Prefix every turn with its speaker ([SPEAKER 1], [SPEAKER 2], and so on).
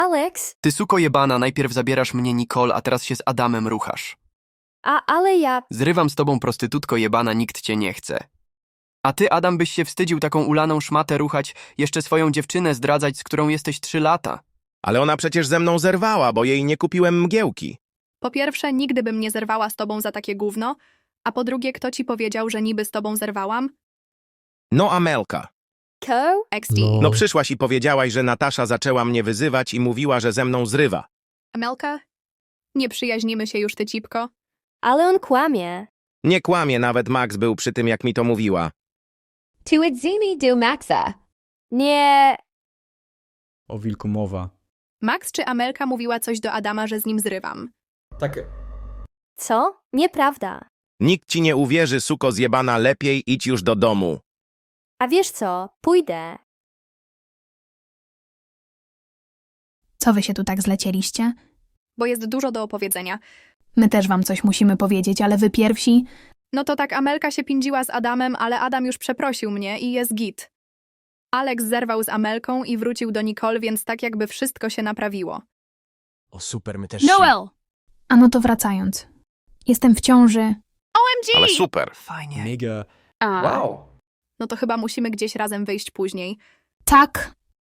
[SPEAKER 1] Alex,
[SPEAKER 2] Ty suko jebana, najpierw zabierasz mnie Nicole, a teraz się z Adamem ruchasz.
[SPEAKER 1] ale ja...
[SPEAKER 2] Zrywam z tobą, prostytutko jebana, nikt cię nie chce. A ty, Adam, byś się wstydził taką ulaną szmatę ruchać, jeszcze swoją dziewczynę zdradzać, z którą jesteś 3 lata.
[SPEAKER 3] Ale ona przecież ze mną zerwała, bo jej nie kupiłem mgiełki.
[SPEAKER 4] Po pierwsze, nigdy bym nie zerwała z tobą za takie gówno, a po drugie, kto ci powiedział, że niby z tobą zerwałam?
[SPEAKER 3] No Amelka.
[SPEAKER 1] Co?
[SPEAKER 4] XD.
[SPEAKER 3] No przyszłaś i powiedziałaś, że Natasza zaczęła mnie wyzywać i mówiła, że ze mną zrywa.
[SPEAKER 4] Amelka? Nie przyjaźnimy się już, ty cipko.
[SPEAKER 1] Ale on kłamie.
[SPEAKER 3] Nie kłamie, nawet Max był przy tym, jak mi to mówiła.
[SPEAKER 5] Tuidzimi do Maxa.
[SPEAKER 1] Nie...
[SPEAKER 6] O wilku mowa.
[SPEAKER 4] Max czy Amelka mówiła coś do Adama, że z nim zrywam?
[SPEAKER 7] Tak,
[SPEAKER 1] Co? Nieprawda.
[SPEAKER 3] Nikt ci nie uwierzy, suko zjebana, lepiej idź już do domu.
[SPEAKER 1] A wiesz co? Pójdę.
[SPEAKER 8] Co wy się tu tak zlecieliście?
[SPEAKER 4] Bo jest dużo do opowiedzenia.
[SPEAKER 8] My też wam coś musimy powiedzieć, ale wy pierwsi...
[SPEAKER 4] No to tak, Amelka się pindziła z Adamem, ale Adam już przeprosił mnie i jest git. Alex zerwał z Amelką i wrócił do Nicole, więc tak jakby wszystko się naprawiło.
[SPEAKER 9] O super, my też
[SPEAKER 8] Noel! A no to wracając. Jestem w ciąży.
[SPEAKER 4] OMG!
[SPEAKER 3] Ale super.
[SPEAKER 2] Fajnie.
[SPEAKER 6] Mega.
[SPEAKER 7] wow.
[SPEAKER 4] No to chyba musimy gdzieś razem wyjść później.
[SPEAKER 8] Tak.